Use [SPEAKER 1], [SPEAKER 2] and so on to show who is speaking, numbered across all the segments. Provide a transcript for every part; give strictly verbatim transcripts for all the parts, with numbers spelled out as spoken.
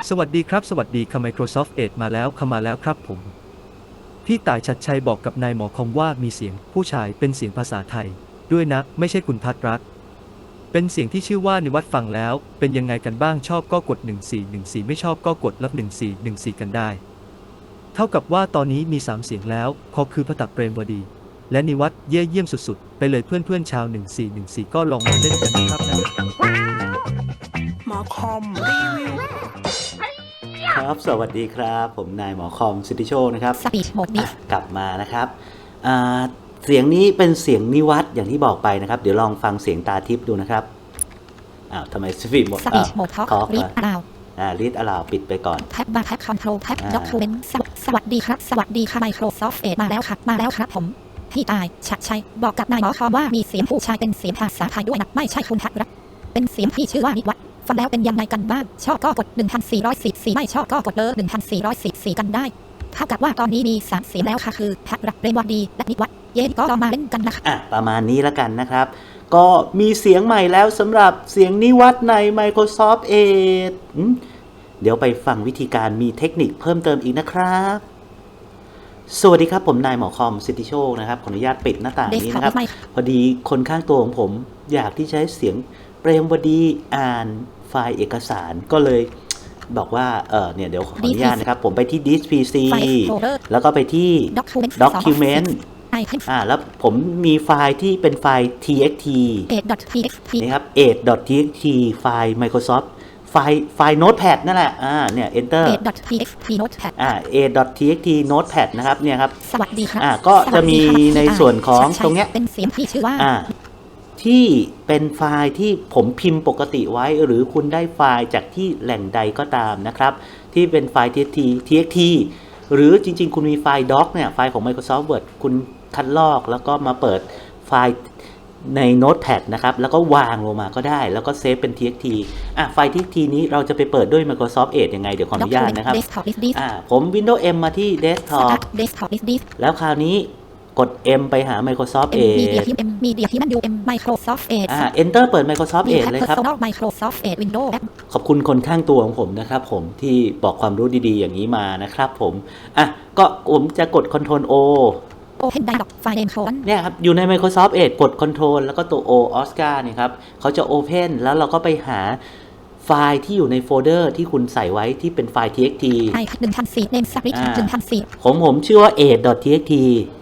[SPEAKER 1] สวัสดีครับสวัสดีค่ะ Microsoft Edge มาแล้วค่ะมาแล้วครับผมพี่ต่ายชัดชัยบอกกับนายหมอคอมว่ามีเสียงผู้ชายเป็นเสียงภาษาไทยด้วยนะไม่ใช่คุณพัทรรัตน์เป็นเสียงที่ชื่อว่านิวัฒน์ฟังแล้วเป็นยังไงกันบ้างชอบก็กดหนึ่งสี่หนึ่งสี่ไม่ชอบก็กดลบหนึ่งสี่หนึ่งสี่กันได้เท่ากับว่าตอนนี้มีสามเสียงแล้วคอคือพตักเปรมวดีและนิวัฒน์เย่เยี่ยมสุดๆไปเลยเพื่อนๆชาวหนึ่งสี่หนึ่งสี่ก็ลองมาเล่นกันนะครับนะ
[SPEAKER 2] หมอคอมรีวิว
[SPEAKER 3] ครับสวัสดีครับผมนายหมอคอมสิทธิโชคนะครับ
[SPEAKER 4] สปีดโหมดนี้
[SPEAKER 3] กลับมานะครับเสียงนี้เป็นเสียงนิวัฒน์อย่างที่บอกไปนะครับเดี๋ยวลองฟังเสียงตาทิพย์ดูนะครับอ้าวทำไมสปีดโหมด
[SPEAKER 4] สปีดโหมดท็อกรีดอลาว
[SPEAKER 3] อ่ารีดอลาวปิดไปก่อน
[SPEAKER 4] แท็บบาร์แท็บคอนโทรลแท็บด็อกคูเมนต์สวัสดีครับสวัสดีค่ะ Microsoft Edge มาแล้วครับมาแล้วครับผมพี่ตายชัดชัยบอกกับนายหมอคอมว่ามีเสียงผู้ชายเป็นเสียงภาษาไทยด้วยนะไม่ใช่คุณพัทรรัตน์เป็นเสียงที่ชื่อว่านิวัฒน์ฟังแล้วเป็นยังไงกันบ้างชอบก็กดหนึ่งพันสี่ร้อยสี่สิบสี่ไม่ชอบก็กดเลอหนึ่งพันสี่ร้อยสี่สิบสี่กันได้เท่ากับว่าตอนนี้มีสามเสียงแล้วค่ะคือพัทรรัตน์เรนวดีและนิวัฒน์เย้ก็ลองมาเล่นกันนะคะ
[SPEAKER 3] อ่ะประมาณนี้แล้วกันนะครับก็มีเสียงใหม่แล้วสำหรับเสียงนิวัฒน์ใน Microsoft Edge เดี๋ยวไปฟังวิธีการมีเทคนิคเพิ่มเติมอีกนะครับสวัสดีครับผมนายหมอคอมสิทธิโชคนะครับขออนุญาตปิดหน้าต่างนี้นะครับพอดีคนข้างตัวของผมอยากที่ใช้เสียงเปรมวดีอ่านไฟล์เอกสารก็เลยบอกว่าเออเนี่ยเดี๋ยวขออนุญาตนะครับผมไปที่ Disk พี ซี แล้วก็ไปที่ Document อ่าแล้วผมมีไฟล์ที่เป็นไฟล์ ที เอ็กซ์ ที นี่ครับ eight.txt ไฟล์ Microsoft ไฟล์ไฟล์ Notepad นั่นแหละอ่าเนี่ย Enter
[SPEAKER 4] eight.txt notepad
[SPEAKER 3] อ่า eight.txt notepad นะครับเนี่ยครับ
[SPEAKER 4] สวัสดีครับ
[SPEAKER 3] อ่าก็จะมีในส่วนของตรงเนี้ย
[SPEAKER 4] เป็นเสียงที่ชื่อว่า
[SPEAKER 3] อ่าที่เป็นไฟล์ที่ผมพิมพ์ปกติไว้หรือคุณได้ไฟล์จากที่แหล่งใดก็ตามนะครับที่เป็นไฟล์ txt txt หรือจริงๆคุณมีไฟล์ doc เนี่ยไฟล์ของ Microsoft Word คุณคัดลอกแล้วก็มาเปิดไฟล์ใน Notepad นะครับแล้วก็วางลงมาก็ได้แล้วก็เซฟเป็น txt อ่ะไฟล์ txt นี้เราจะไปเปิดด้วย Microsoft Edge ยังไงเดี๋ยวขออนุญาตนะครับอ่าผม Windows M มาที่ Desktop แล้วคราวนี้กด M ไปหา Microsoft Edge
[SPEAKER 4] Media ที่ M Media ที่มันดู M Microsoft Edge
[SPEAKER 3] อ่า Enter เปิด Microsoft Edge เลยครับ
[SPEAKER 4] Microsoft Edge Windows
[SPEAKER 3] ขอบคุณคนข้างตัวของผมนะครับผมที่บอกความรู้ดีๆอย่างนี้มานะครับผมอ่ะก็ผมจะกด Ctrl O
[SPEAKER 4] Open Dialog File Name Colon
[SPEAKER 3] เนี่ยครับอยู่ใน Microsoft Edge กด Ctrl แล้วก็ตัว O Oscar เนี่ยครับเขาจะ Open แล้วเราก็ไปหาไฟล์ที่อยู่ในโฟลเดอร์ที่คุณใส่ไว้ที่เป็นไฟล์ txt
[SPEAKER 4] หนึ่งพันสี่ Name Script หนึ่งพันสี่
[SPEAKER 3] ของผมชื่อว่า edge.txt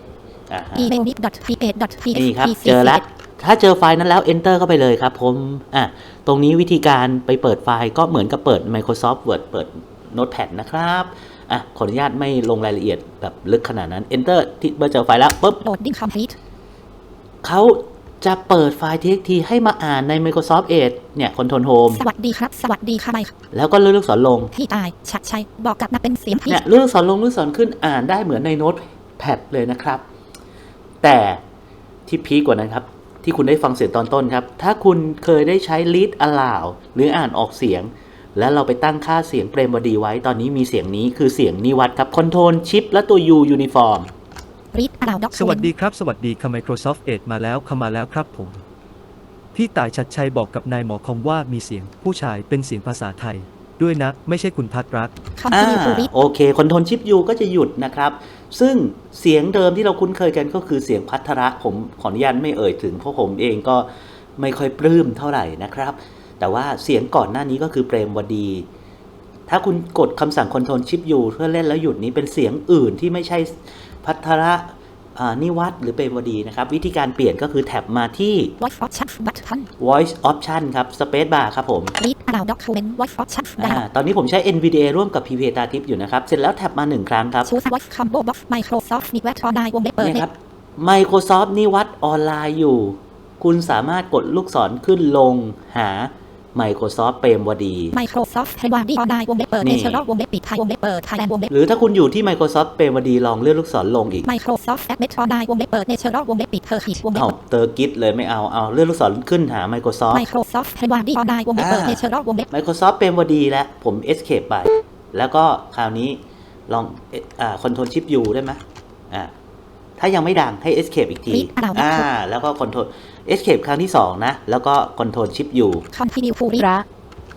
[SPEAKER 4] email nick.ph.ph
[SPEAKER 3] นี่ครับเจอแล้วถ้าเจอไฟล์นั้นแล้ว Enter เข้าไปเลยครับผมอ่ะตรงนี้วิธีการไปเปิดไฟล์ก็เหมือนกับเปิด Microsoft Word เปิด Notepad นะครับอ่ะขออนุญาตไม่ลงรายละเอียดแบบลึกขนาดนั้น Enter ที่เมื่อเจอไฟล์แล้วปุ๊บ
[SPEAKER 4] Loading complete
[SPEAKER 3] เขาจะเปิดไฟล์ txt ให้มาอ่านใน Microsoft Edge เนี่ย Control Home
[SPEAKER 4] สวัสดีครับสวัสดีค่ะ
[SPEAKER 3] แล้วก็เลื่อนลูกศรลง
[SPEAKER 4] ที่ตายชัดชัยบอกกับนักเป็นเสียงที่
[SPEAKER 3] เนี่ยเลื่อนลูกศรลงลูกศรขึ้นอ่านได้เหมือนใน Notepad เลยนะครับแต่ที่พีคกว่านั้นครับที่คุณได้ฟังเสียงตอนต้นครับถ้าคุณเคยได้ใช้ read aloud หรืออ่านออกเสียงแล้วเราไปตั้งค่าเสียงเปรมวดีไว้ตอนนี้มีเสียงนี้คือเสียงนิวัฒน์ครับ Control Shift และตัว U Uniform
[SPEAKER 4] Read aloud
[SPEAKER 1] สวัสดีครับสวัสดีค่ะ Microsoft Edge มาแล้วค่ะมาแล้วครับผมพี่ต่ายชัดชัยบอกกับนายหมอคอมว่ามีเสียงผู้ชายเป็นเสียงภาษาไทยด้วยนะไม่ใช่คุณพัทรรัตน์
[SPEAKER 3] อ่าโอเค Control Shift U ก็จะหยุดนะครับซึ่งเสียงเดิมที่เราคุ้นเคยกันก็คือเสียงพัทระผมขออนุญาตไม่เอ่ยถึงเพราะผมเองก็ไม่ค่อยปลื้มเท่าไหร่นะครับแต่ว่าเสียงก่อนหน้านี้ก็คือเปรมวดีถ้าคุณกดคำสั่ง Control Shift U เพื่อเล่นแล้วหยุดนี้เป็นเสียงอื่นที่ไม่ใช่พัทระนิวัฒน์หรือเปรมวดีนะครับวิธีการเปลี่ยนก็คือแท็บมาที่
[SPEAKER 4] Voice Option Button
[SPEAKER 3] Voice Option ครับ Space Bar ครับผม
[SPEAKER 4] Read aloud document Voice Option
[SPEAKER 3] ตอนนี้ผมใช้ เอ็น วี ดี เอ ร่วมกับ พี พี เอ ตาทิพย์อยู่นะครับเสร็จแล้วแท็บมาหนึ่งครั้งครับ
[SPEAKER 4] Choose Voice Combo Box Microsoft นิวัฒน์ออนไลน์วงเล็บเปิด
[SPEAKER 3] เนี่ยครับ Microsoft นิวัฒน์ออนไลน์อยู่คุณสามารถกดลูกศรขึ้นลงหา Microsoft เปรมวดี
[SPEAKER 4] Microsoft เปรมวดีออนไลน์วงเล็บเปิด Natural วงเล็บปิดไทยวงเล็บเปิด Thailand วงเล็บ
[SPEAKER 3] หรือถ้าคุณอยู่ที่ Microsoft เปรมวดีลองเลื่อนลูกศรลงอีก
[SPEAKER 4] Microsoft Admet ออนไลน์วงเล็บเปิด Natural วงเล็บปิดเธอขีดวงเล็บ
[SPEAKER 3] เอาเตอร์กิทเลยไม่เอาเอาเลื่อนลูกศรขึ้นหา Microsoft
[SPEAKER 4] Microsoft เปรมวดีออนไลน์วงเล็บเปิด Natural วงเล็บ
[SPEAKER 3] Microsoft เปรมวดีแล้วผม Escape ไปแล้วก็คราวนี้ลองอ่า Control Shift U ได้ไหมอ่าถ้ายังไม่ดังให้ Escape อีกทีอ่าแล้วก็ Control Escape ครั้งที่สองนะแล้วก็ Control Shift U
[SPEAKER 4] Continue to read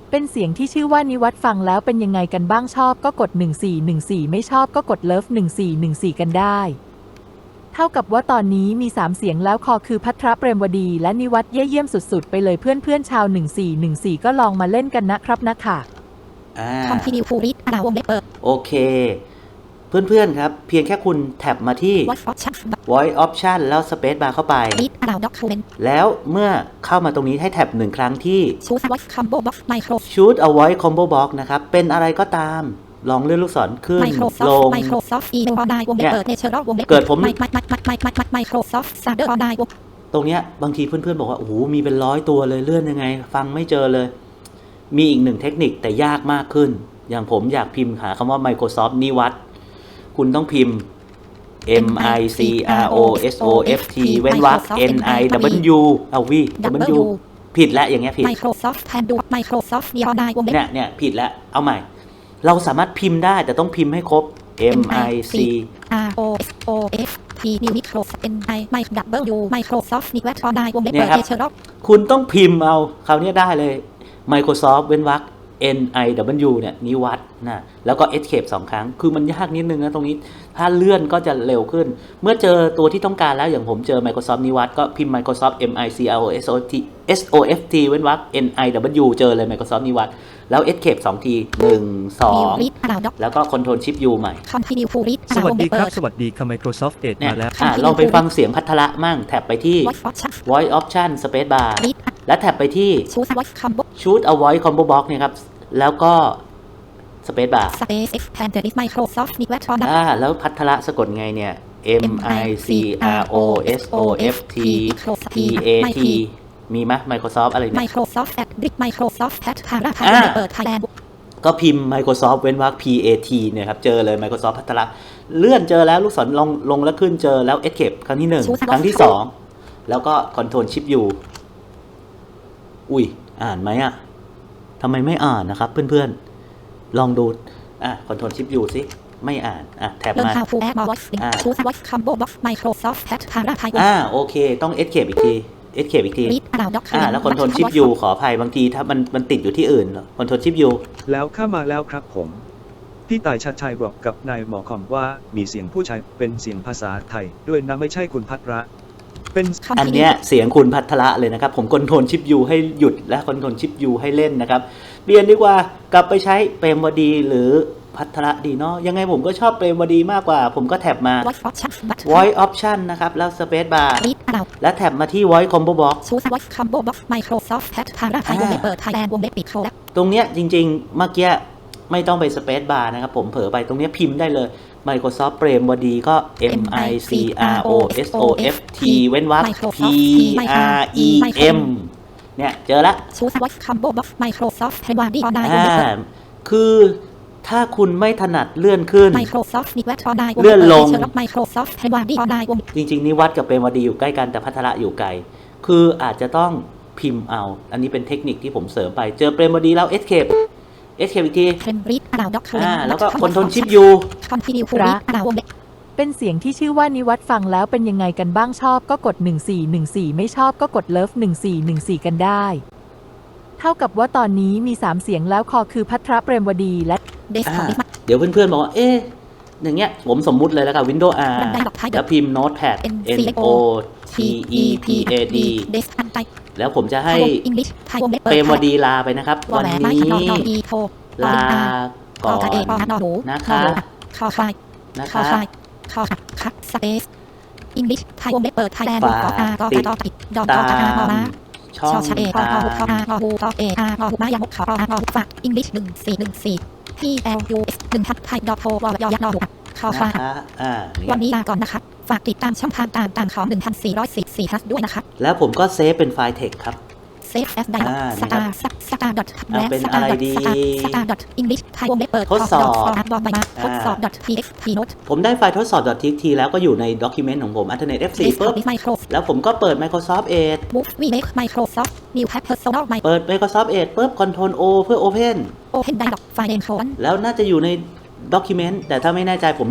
[SPEAKER 5] เป็นเสียงที่ชื่อว่านิวัฒน์ฟังแล้วเป็นยังไงกันบ้างชอบก็กดหนึ่งสี่หนึ่งสี่ไม่ชอบก็กดเลิฟหนึ่งสี่หนึ่งสี่กันได้เท่ากับว่าตอนนี้มีสามเสียงแล้วคอคือภัทรเปรมวดีและนิวัฒน์เย่เยี่ยมสุดๆไปเลยเพื่อนๆชาวหนึ่งสี่หนึ่งสี่ก็ลองมาเล่นกันนะครับนะค่ะ
[SPEAKER 3] อ่า
[SPEAKER 4] Continue to read อ่าวงเล็บเปิด
[SPEAKER 3] โอเค เพื่อนๆครับ เพียงแค่คุณแท็บมาที่
[SPEAKER 4] Voice option
[SPEAKER 3] voice option แล้ว space bar เข้าไป
[SPEAKER 4] read อ่าว document
[SPEAKER 3] แล้วเมื่อเข้ามาตรงนี้ให้แท็บหนึ่งครั้งที่
[SPEAKER 4] choose a voice combo box Microsoft
[SPEAKER 3] shoot a voice combo box นะครับ เป็นอะไรก็ตาม ลองเลื่อนลูกศรขึ้น ล
[SPEAKER 4] Microsoft
[SPEAKER 3] ง
[SPEAKER 4] Microsoft email ออนไลน์วงเล็บเปิด Natural วงเล็บ
[SPEAKER 3] เกิดผม
[SPEAKER 4] Microsoft Standard ออนไลน์วง
[SPEAKER 3] ตรงเนี้ยบางทีเพื่อนๆบอกว่า โอ้โห มีเป็นร้อยตัวเลยเลื่อนยังไง ฟังไม่เจอเลย มีอีกหนึ่งเทคนิคแต่ยากมากขึ้น อย่างผมอยากพิมพ์หาคำว่า Microsoft นิวัฒน์คุณต้องพิมพ์ M I C R O S O F T เว้นวรรค N I W เอาวิ W ผิดแล้วอย่างเงี้ยผิด
[SPEAKER 4] Microsoft Handle Microsoft ออนไลน์วงเล็บ
[SPEAKER 3] เนี่ยเนี่ยผิดแล้วเอาใหม่ เราสามารถพิมพ์ได้แต่ต้องพิมพ์ให้ครบ M I C
[SPEAKER 4] R O S O F T New Microsoft N I W Microsoft นิวัฒน์ออนไลน์วงเล็บเปิด Natural
[SPEAKER 3] คุณต้องพิมพ์เอาคราวนี้ได้เลย Microsoft เว้นวรรค N I W เนี่ยนิวัฒน์นะแล้วก็ escape สองครั้งคือมันยากนิดนึงนะตรงนี้ถ้าเลื่อนก็จะเร็วขึ้น เมื่อเจอตัวที่ต้องการแล้วอย่างผมเจอ Microsoft นิวัฒน์ก็พิมพ์ Microsoft M I C R O S O T S O F T เว้นวรรค N I W เจอเลย Microsoft นิวัฒน์แล้ว escape สองทีหนึ่ง สอง แล้วก็ Control Shift U ใหม่
[SPEAKER 4] Continue to read
[SPEAKER 1] สวัสดีครับ สวัสดีค่ะ Microsoft Edge
[SPEAKER 3] เนี่ย
[SPEAKER 1] มาแล้ว
[SPEAKER 3] อ่ะลองไปฟังเสียงพัทละมั่งแท็บไปที่
[SPEAKER 4] Voice option
[SPEAKER 3] Voice Option Space Bar และแท็บไปที่
[SPEAKER 4] choose a voice combo
[SPEAKER 3] Shoot a Voice Combo Box เนี่ยครับแล้วก็ Space Bar
[SPEAKER 4] space expand list Microsoft นิวัฒน์ออนไลน์
[SPEAKER 3] อ่าแล้วพัทละสะกดไงเนี่ย M I C R O S O F T P A T มีไหม Microsoft อะไรเนี่ย
[SPEAKER 4] Microsoft at Microsoft at พาราพา
[SPEAKER 3] อ่า
[SPEAKER 4] เปิด Thailand
[SPEAKER 3] ก็พิมพ์ Microsoft เว้นวรรค P A T เนี่ยครับเจอเลย Microsoft พัทละเลื่อนเจอแล้วลูกศรลงลงแล้วขึ้นเจอแล้ว Escape ครั้งที่หนึ่งครั้งที่สองแล้วก็ Control Shift U อุ้ยอ่านไหมอ่ะทำไมไม่อ่านนะครับเพื่อนๆลองดูอ่ะ Control Shift U สิไม่อ่านอ่ะแท็บ
[SPEAKER 4] Learn
[SPEAKER 3] มา
[SPEAKER 4] how to add more voice link
[SPEAKER 3] อ่า
[SPEAKER 4] choose a voice combo box Microsoft at พาราพา
[SPEAKER 3] อ่าโอเคต้อง Escape อีกที Escape อีกที
[SPEAKER 4] read อ่าว document
[SPEAKER 3] อ่าแล้ว Control Shift U ขออภัยบางทีถ้ามันมันติดอยู่ที่อื่น Control Shift U
[SPEAKER 6] แล้วเข้ามาแล้วครับผม พี่ต่ายชัดชัยบอกกับนายหมอคอมว่ามีเสียงผู้ชายเป็นเสียงภาษาไทยด้วยนะไม่ใช่คุณพัทระเป็น
[SPEAKER 3] อันเนี้ยเสียงคุณพัทละเลยนะครับผม Control Shift U ให้หยุดและ Control Shift U ให้เล่นนะครับเปลี่ยนดีกว่ากลับไปใช้เปรมวดีหรือพัทละดีเนาะยังไงผมก็ชอบเปรมวดีมากกว่า ผมก็แท็บมา
[SPEAKER 4] voice option button
[SPEAKER 3] Voice Option นะครับแล้ว Space Bar
[SPEAKER 4] read อ่าว
[SPEAKER 3] และแท็บมาที่ Voice Combo Box
[SPEAKER 4] choose a voice combo box Microsoft at พาราพาวงเล็บเปิด Thailand วงเล็บปิดโคด
[SPEAKER 3] ตรงเนี้ยจริงๆ เมื่อกี้ไม่ต้องไป Space Bar นะครับผมเผลอไปตรงเนี้ยพิมพ์ได้เลย Microsoft เปรมวดีก็ M I C R O S O F T เว้นวรรค P R E M เนี่ยเจอละ
[SPEAKER 4] choose a voice combo box Microsoft ให้วาดีออนไลน์วง
[SPEAKER 3] อ่า
[SPEAKER 4] เล็บเปิด
[SPEAKER 3] คือถ้าคุณไม่ถนัดเลื่อนขึ้น
[SPEAKER 4] Microsoft นิวัฒน์ออนไลน์วง
[SPEAKER 3] เลื่
[SPEAKER 4] เล็บ
[SPEAKER 3] อน
[SPEAKER 4] เปิด
[SPEAKER 3] ลง
[SPEAKER 4] เชิญรับ Microsoft ให้วาดีออนไลน์วง
[SPEAKER 3] จริงๆ นิวัฒน์กับเปรมวดีอยู่ใกล้กันแต่พัทละอยู่ไกล คืออาจจะต้องพิมพ์เอา อันนี้เป็นเทคนิคที่ผมเสริมไปเจอเปรมวดีแล้ว Escape Escape อีกที
[SPEAKER 4] Pen read อ่าว document
[SPEAKER 3] อ่าแล้วก็ Control Shift U
[SPEAKER 4] Continue to read อ่าววงเล็บ
[SPEAKER 5] เป็นเสียงที่ชื่อว่านิวัฒน์ฟังแล้วเป็นยังไงกันบ้างชอบก็กดหนึ่งสี่หนึ่งสี่ไม่ชอบก็กดเลิฟหนึ่งสี่หนึ่งสี่กันได้เท่ากับว่าตอนนี้มีสามเสียงแล้วคอคือภัทรเปรมวดีและ
[SPEAKER 4] desktop
[SPEAKER 3] อ่าเดี๋ยวเพื่อนๆบอกว่า เอ๊ะ อย่างเงี้ย ผมสมมุติเลยแล้วกับ Windows R
[SPEAKER 4] บันไดดอกไม้
[SPEAKER 3] แล้วพิมพ์ Notepad N O T E P A D
[SPEAKER 4] desk อันไต
[SPEAKER 3] แล้วผมจะให้
[SPEAKER 4] English ไทยวงเล็บ
[SPEAKER 3] เปรมวดีลาไปนะครับ
[SPEAKER 4] วอ
[SPEAKER 3] วัน
[SPEAKER 4] แหวนไม้
[SPEAKER 3] นี้
[SPEAKER 4] ขนอนอดีโท
[SPEAKER 3] ลาก่อน
[SPEAKER 4] กอเอปอนอหู
[SPEAKER 3] นะคะ
[SPEAKER 4] คอควาย
[SPEAKER 3] นะ
[SPEAKER 4] คอ
[SPEAKER 3] คะ
[SPEAKER 4] ควายคอขัดคัดสเปซ English ไทยวงเล็บเปิด Thailand กออากอกอปิดดอกกอกามอมา
[SPEAKER 3] ช่อง
[SPEAKER 4] ชอชาเอพอ
[SPEAKER 3] ทา
[SPEAKER 4] อหูพออาง อหูพอเออางอหูมายามุขออางอหูฝาก English หนึ่งสี่หนึ่งสี่ P L U S หนึ่งทับไทยดอกโทวอยยักษ์นอหูคอควา
[SPEAKER 3] นะ
[SPEAKER 4] ย
[SPEAKER 3] คะอ่า
[SPEAKER 4] วัน
[SPEAKER 3] เนี่ย
[SPEAKER 4] นี้ลาก่อนนะคะฝากติดตามช่องทางต่างๆของหนึ่งพันสี่ร้อยสี่สิบสี่ plus ด้วยนะคะ
[SPEAKER 3] แล้วผมก็เซฟเป็นไฟล์ text ครับ
[SPEAKER 4] save as dialog
[SPEAKER 3] อ่า
[SPEAKER 4] star star dot
[SPEAKER 3] เอา
[SPEAKER 4] และ
[SPEAKER 3] เป็น
[SPEAKER 4] star
[SPEAKER 3] อะไร
[SPEAKER 4] dot
[SPEAKER 3] ดี
[SPEAKER 4] star star dot english ไทยวงเล็บเปิด
[SPEAKER 3] ทดสอบ
[SPEAKER 4] ดอกบอลใบมา
[SPEAKER 3] อ่า
[SPEAKER 4] ทดสอบ dot txt note
[SPEAKER 3] ผมได้ไฟล์ทดสอบ .txt แล้วก็อยู่ในด็อกิเมนต์ของผม Internet เอฟ โฟร์ ปุ๊บ
[SPEAKER 4] desktop Microsoft
[SPEAKER 3] แล้วผมก็เปิด Microsoft Edge
[SPEAKER 4] move we make Microsoft new tab personal my
[SPEAKER 3] เปิด Microsoft Edge ปุ๊บ Control O เพื่อ Open
[SPEAKER 4] open dialog file name colon
[SPEAKER 3] แล้วน่าจะอยู่ในด็อกิเมนต์แต่ถ้าไม่แน่ใจผม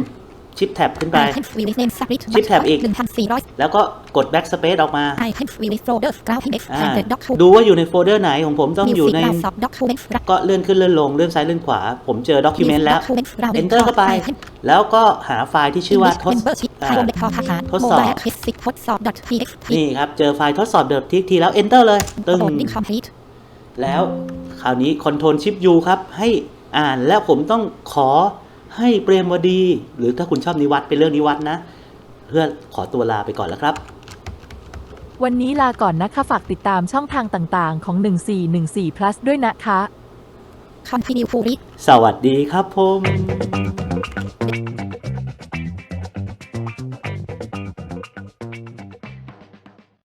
[SPEAKER 3] ชิปแท็บขึ้นไป
[SPEAKER 4] I can free with name submit
[SPEAKER 3] ชิปแท็บอีก
[SPEAKER 4] หนึ่งพันสี่ร้อย
[SPEAKER 3] แล้วก็กด backspace ออกมา
[SPEAKER 4] I can free with folders cloud index
[SPEAKER 3] อ่า
[SPEAKER 4] and document
[SPEAKER 3] ดูว่าอยู่ในโฟลเดอร์ไหนของผมต้องอยู่ใน
[SPEAKER 4] Music Browser document
[SPEAKER 3] ก็เลื่อนขึ้นเลื่อนลงเลื่อนซ้ายเลื่อนขวา ผมเจอ document แล้ว
[SPEAKER 4] document browser
[SPEAKER 3] enter เข้าไป
[SPEAKER 4] I can
[SPEAKER 3] แล้วก็หาไฟล์ที่ชื่อว่าทด
[SPEAKER 4] membership
[SPEAKER 3] อ่า
[SPEAKER 4] ไทยวงเล็บทอทหาร
[SPEAKER 3] ทดสอบ
[SPEAKER 4] mobile access ทดสอบ .txt
[SPEAKER 3] นี่ครับ เจอไฟล์ทดสอบเดิมทีทีแล้ว enter เลยตึง
[SPEAKER 4] loading complete
[SPEAKER 3] แล้วคราวนี้ control shift u ครับ ให้อ่านแล้วผมต้องขอให้เปรมวดี หรือถ้าคุณชอบนิวัตเป็นเรื่องนิวัตนะ เพื่อขอตัวลาไปก่อนแล้วครับ
[SPEAKER 5] วันนี้ลาก่อนนะคะฝากติดตามช่องทางต่างๆ ของหนึ่งสี่หนึ่งสี่ plus ด้วยนะคะ
[SPEAKER 4] continue to read
[SPEAKER 3] สวัสดีครับผม